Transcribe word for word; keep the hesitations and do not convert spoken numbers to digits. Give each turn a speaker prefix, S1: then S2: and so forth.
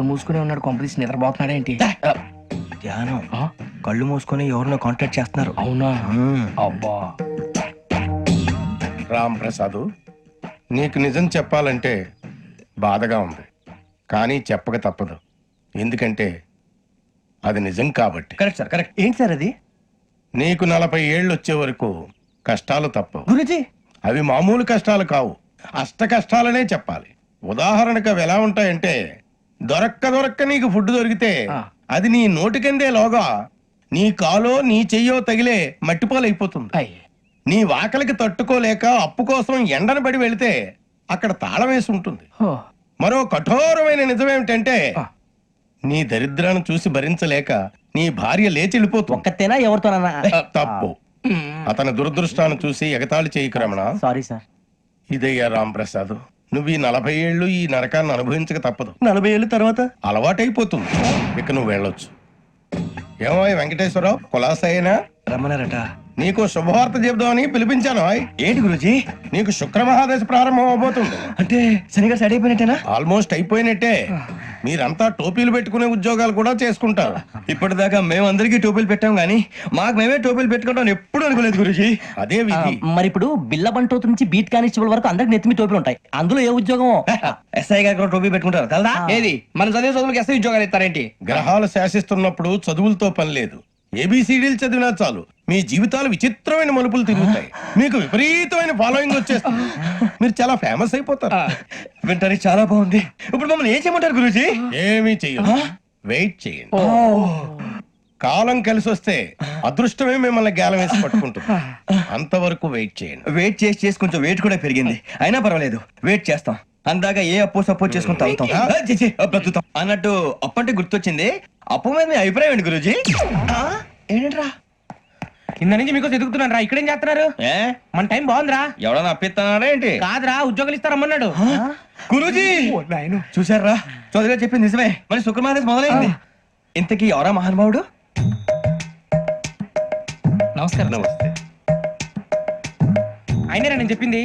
S1: మూసుకునే ఉన్నాడు, కొంపదీసి నిద్రపోతున్నాడేంటి?
S2: ధ్యానం. కళ్ళు మూసుకొని ఎవరినో కాంటాక్ట్ చేస్తున్నారు.
S1: అవునా?
S2: మ్మ్.
S1: అబ్బా.
S3: రామ్ ప్రసాద్, నీకు నిజం చెప్పాలంటే బాధగా ఉంది, కానీ చెప్పక తప్పదు. ఎందుకంటే అది నిజం కాబట్టి.
S2: Correct sir, correct. ఏంటి సార్ అది?
S3: నీకు నలభై ఏళ్ళు వచ్చే వరకు కష్టాలు తప్పవు.
S2: గురుజీ,
S3: అవి మామూలు కష్టాలు కావు, అష్ట కష్టాలనే చెప్పాలి. ఉదాహరణకు అవి ఎలా ఉంటాయంటే, దొరక్క దొరక్క నీకు ఫుడ్ దొరికితే అది నీ నోటికందే లోగా నీ కాలో నీ చెయ్యో తగిలే మట్టిపాలైపోతుంది.
S1: అయ్యి.
S3: నీ వాకలికి తట్టుకోలేక అప్పు కోసం ఎండను పడి వెళితే అక్కడ తాళం వేసి ఉంటుంది.
S1: హో.
S3: మరో కఠోరమైన నిజమేమిటంటే, నీ దరిద్రాన్ని చూసి భరించలేక నీ భార్య లేచి వెళ్ళిపోతుంది.
S2: ఒక్కతేనా ఎవరితోనన్నా?
S3: తప్పు. అతని దురదృష్టాన్ని చూసి ఎగతాళి చేయకు రమణ.
S2: Sorry sir.
S3: ఇదయ్యా రాంప్రసాద్, నువ్వు ఈ నలభై ఏళ్ళు ఈ నరకాన్ని అనుభవించక తప్పదు.
S2: నలభై ఏళ్ళ తర్వాత
S3: అలవాటైపోతుంది, ఇక నువ్వు వెళ్ళొచ్చు. ఏమో వెంకటేశ్వరరావు, కులాసైనా
S2: రమ్మన్నారట.
S3: నీకు శుభవార్త చెబుదామని పిలిపించాను. ఆయ్.
S2: ఏంటి గురుజీ?
S3: నీకు శుక్రమహాదశ ప్రారంభం అవబోతుంది.
S2: అంటే శనిగా సెట్ అయిపోయినట్టేనా?
S3: ఆల్మోస్ట్ అయిపోయినట్టే. మీరంతా టోపీలు పెట్టుకునే ఉద్యోగాలు కూడా చేసుకుంటారు.
S2: ఇప్పటిదాకా మేమందరికీ టోపీలు పెట్టాం గానీ మాకు మేమే టోపీలు పెట్టుకుంటాం ఎప్పుడు అనుకోలేదు గురుజీ.
S3: అదే విధి.
S4: మరి ఇప్పుడు బిల్ల బంటోతు నుంచి బీట్ కానిస్టేబుల్ వరకు అందరికి నెత్తిమి టోపీలు ఉంటాయి. అందులో ఏ ఉద్యోగం?
S2: ఎస్ఐ గారు కూడా టోపీ పెట్టుకుంటారు తెలదా?
S1: ఏది మన చదివే చదువులకు ఎస్ఐ ఉద్యోగాలు ఇస్తారేంటి?
S3: గ్రహాలు శాసిస్తున్నప్పుడు చదువులతో పని లేదు. ఏబిసిడీలు చదివినా చాలు మీ జీవితాలు విచిత్రమైన మలుపులు తిరుగుతాయి. మీకు విపరీతమైన ఫాలోయింగ్ వచ్చేస్తుంది. మీరు చాలా ఫేమస్ అయిపోతారు.
S2: వింటానికి చాలా బాగుంది. ఇప్పుడు మమ్మల్ని ఏం చేయమంటారు గురూజీ?
S3: ఏమీ చెయ్యదు, వెయిట్ చేయండి. కాలం కలిసి వస్తే అదృష్టమే మిమ్మల్ని గేలం వేసి పట్టుకుంటుంది. అంతవరకు వెయిట్ చేయండి.
S2: వెయిట్ చేసి చేసి కొంచెం వెయిట్ కూడా పెరిగింది. అయినా పర్వాలేదు, వెయిట్ చేస్తాం. అందాక ఏ అప్పు సపోర్ట్ చేసుకుని తాగుతాం. ఆ, ఛీ, ఛీ, బ్రతుకుతాం అన్నట్టు. అప్పు అంటే గుర్తొచ్చింది, అప్పు మీద మీ అభిప్రాయం ఏంటి గురూజీ? ఏంటరా
S1: కింద నుంచి మీకు ఎదుగుతున్నాను రా. ఇక్కడేం చేస్తున్నారు?
S2: ఏ
S1: మన టైం బాగుందిరా.
S2: ఎవడన్నా అప్పిస్తున్నారా ఏంటి?
S1: కాదురా, ఉద్యోగాలు ఇస్తారమ్మన్నాడు.
S2: గురూజీ చూసారా, చౌదరిగా చెప్పింది నిజమే. మరి శుక్రమాదేశ్ మొదలైంది. ఇంతకీ ఎవరా మహానుభావుడు?
S1: నమస్కారం.
S3: నమస్తే.
S1: అయినా నేను చెప్పింది